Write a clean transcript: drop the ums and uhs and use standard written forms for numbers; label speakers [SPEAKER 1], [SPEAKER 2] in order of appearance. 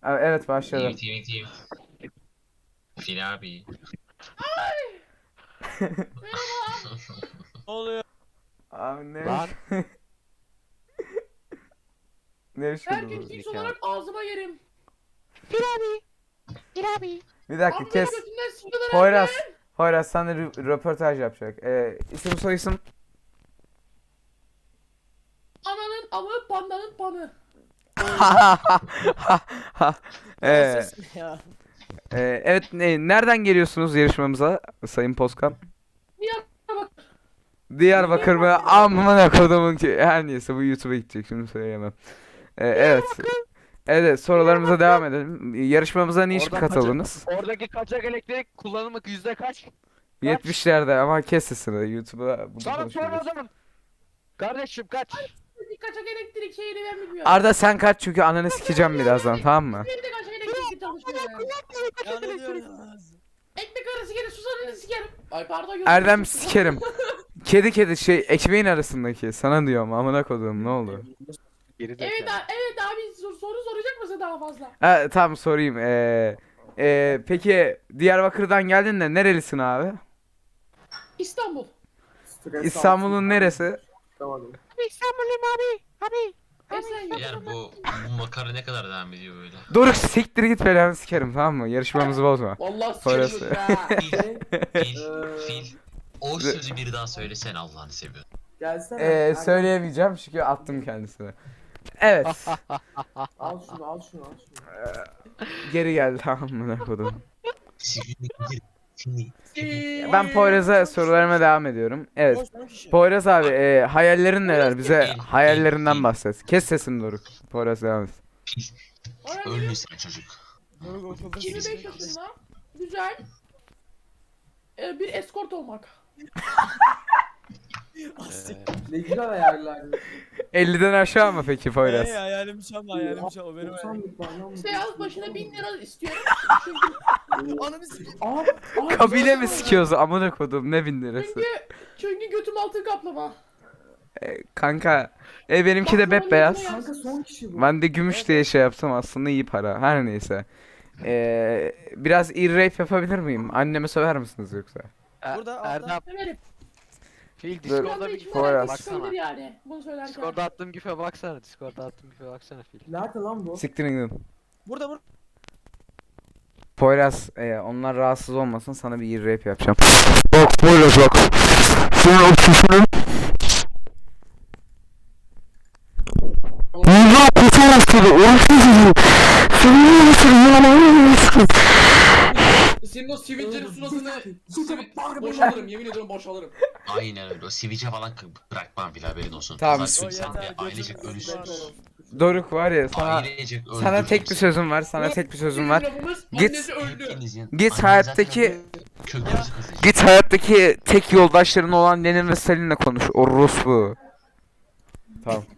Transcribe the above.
[SPEAKER 1] Evet başladım.
[SPEAKER 2] TV. Fil abi.
[SPEAKER 3] Ne oluyor?
[SPEAKER 1] Abi ne?
[SPEAKER 3] Lan.
[SPEAKER 1] Ne
[SPEAKER 4] Her
[SPEAKER 1] işin
[SPEAKER 4] gün
[SPEAKER 1] bu?
[SPEAKER 4] fix olarak ağzıma yerim.
[SPEAKER 1] Bir dakika
[SPEAKER 4] Abi
[SPEAKER 1] kes.
[SPEAKER 4] götünden sıkılır
[SPEAKER 1] Poyraz.
[SPEAKER 4] abi.
[SPEAKER 1] Poyraz sana röportaj yapacak. İsim soyisim.
[SPEAKER 4] Ananın amı, pandanın panı.
[SPEAKER 1] Ee,
[SPEAKER 3] Ses ne ya?
[SPEAKER 1] evet nereden geliyorsunuz yarışmamıza Sayın Poskan?
[SPEAKER 4] Niye bak?
[SPEAKER 1] Diyarbakır mı? Amına kodumun ki. Her neyse bu YouTube'a gidecek şimdi söyleyemem. Evet. Evet sorularımıza devam edelim. Yarışmamıza niçin
[SPEAKER 3] Oradan
[SPEAKER 1] katıldınız?
[SPEAKER 3] Oradaki kaçak elektrik kullanımı %kaç?
[SPEAKER 1] 70'lerde ama kes sesini YouTube'a bunu
[SPEAKER 3] Sana sor o
[SPEAKER 1] konuşuyoruz.
[SPEAKER 3] zaman. Kardeşim kaç?
[SPEAKER 4] Kaçak elektrik şeyini ben bilmiyorum.
[SPEAKER 1] Arda sen kaç çünkü ananı sikeceğim birazdan tamam mı?
[SPEAKER 4] Benim de kaçak elektrik çalışmıyor ya.
[SPEAKER 3] Ya ne diyorsun?
[SPEAKER 4] Ekmek arası gelir susadığını sikerim. Ay pardon.
[SPEAKER 1] Erdem sikerim. Kedi şey ekmeğin arasındaki sana diyorum amına koduğum ne oldu?
[SPEAKER 3] Geri
[SPEAKER 4] Evet, evet abi soru soracak mısın daha fazla?
[SPEAKER 1] Ha, tamam sorayım. Peki Diyarbakır'dan geldin de nerelisin abi?
[SPEAKER 4] İstanbul.
[SPEAKER 1] İstanbul'un neresi?
[SPEAKER 4] İstanbul'um abi. Esenyurt.
[SPEAKER 2] Yani bu makara ne kadar devam ediyor böyle?
[SPEAKER 1] Doruk siktir git belanı sikerim tamam mı? Yarışmamızı bozma.
[SPEAKER 4] Vallahi
[SPEAKER 1] Parası.
[SPEAKER 4] sikerim ya.
[SPEAKER 2] Fil. O sözü bir daha söylesene Allah'ını seviyorum.
[SPEAKER 5] Gelsene.
[SPEAKER 1] Söyleyemeyeceğim çünkü attım kendisine. Evet.
[SPEAKER 5] Al şunu.
[SPEAKER 1] Geri geldi amına kodum.
[SPEAKER 2] Seni.
[SPEAKER 1] Ben Poyraz'a sorularıma devam ediyorum. Evet. Poyraz abi hayallerin neler? Bize hayallerinden bahset. Kes sesini Doruk. Poyraz devam et.
[SPEAKER 2] Ölmüş sen çocuk.
[SPEAKER 4] 25 yaşında. Güzel. Bir eskort olmak.
[SPEAKER 5] Ne güzel ayarlar.
[SPEAKER 1] 50'den aşağı mı peki Poyraz?
[SPEAKER 3] Hayalim şu an hayalim şu an. O benim hayalim.
[SPEAKER 5] 90'lık var lan bu.
[SPEAKER 4] Seyahat başına 1000 lira istiyorum. Çünkü,
[SPEAKER 3] Ananı sikeyim.
[SPEAKER 1] Kabile mi sikiyoruz amına kodum ne bin lirası?
[SPEAKER 4] çünkü götüm altın kaplama.
[SPEAKER 1] Kanka benimki de bembeyaz.
[SPEAKER 5] Kanka son kişi bu.
[SPEAKER 1] Ben de gümüş diye şey yaptım aslında iyi para. Her neyse. Biraz rape yapabilir miyim? Anneme söver misiniz yoksa?
[SPEAKER 3] Burada Erdem.
[SPEAKER 4] Severim.
[SPEAKER 3] Fil
[SPEAKER 1] Dur.
[SPEAKER 4] Şu anda
[SPEAKER 3] Discord'da bir
[SPEAKER 4] içimden
[SPEAKER 1] Poyraz.
[SPEAKER 4] herkes sıkılır yani. Bunu söylerken.
[SPEAKER 3] Discord'da attığım gife baksana. Discord'da attığım gife baksana Fil.
[SPEAKER 5] Nerede lan bu?
[SPEAKER 1] Siktirin gidin.
[SPEAKER 3] Burada.
[SPEAKER 1] Poyraz onlar rahatsız olmasın sana bir rape yapacağım. Bak Poyraz bak. Senin o çişinin yüzüne kutu bastırdı. Orası senin nasıl
[SPEAKER 6] Senin o sivilcenin suratını
[SPEAKER 5] Bağırma
[SPEAKER 6] boşalırım, yemin ediyorum boşalırım.
[SPEAKER 2] Aynen öyle. O sivice falan bırakmam bile haberin olsun.
[SPEAKER 1] Tamam.
[SPEAKER 2] Pazartesi
[SPEAKER 3] O
[SPEAKER 2] sen de
[SPEAKER 3] yeter,
[SPEAKER 2] ailecek
[SPEAKER 3] gözüm
[SPEAKER 2] ölürsünüz.
[SPEAKER 3] var.
[SPEAKER 1] Doruk var ya
[SPEAKER 2] Ailecek
[SPEAKER 1] sana
[SPEAKER 2] ölürsünüz.
[SPEAKER 1] tek bir sözüm var. Sana tek bir sözüm var.
[SPEAKER 4] Lafımız
[SPEAKER 1] Git.
[SPEAKER 4] annesi öldü.
[SPEAKER 2] Hepinizin-
[SPEAKER 1] Git
[SPEAKER 2] Annen
[SPEAKER 1] hayattaki-
[SPEAKER 2] zaten öldü, kökünüzü kazıyacak.
[SPEAKER 1] Git hayattaki tek yoldaşların olan Lenin ve Stalin'le konuş. Orospu. Tamam.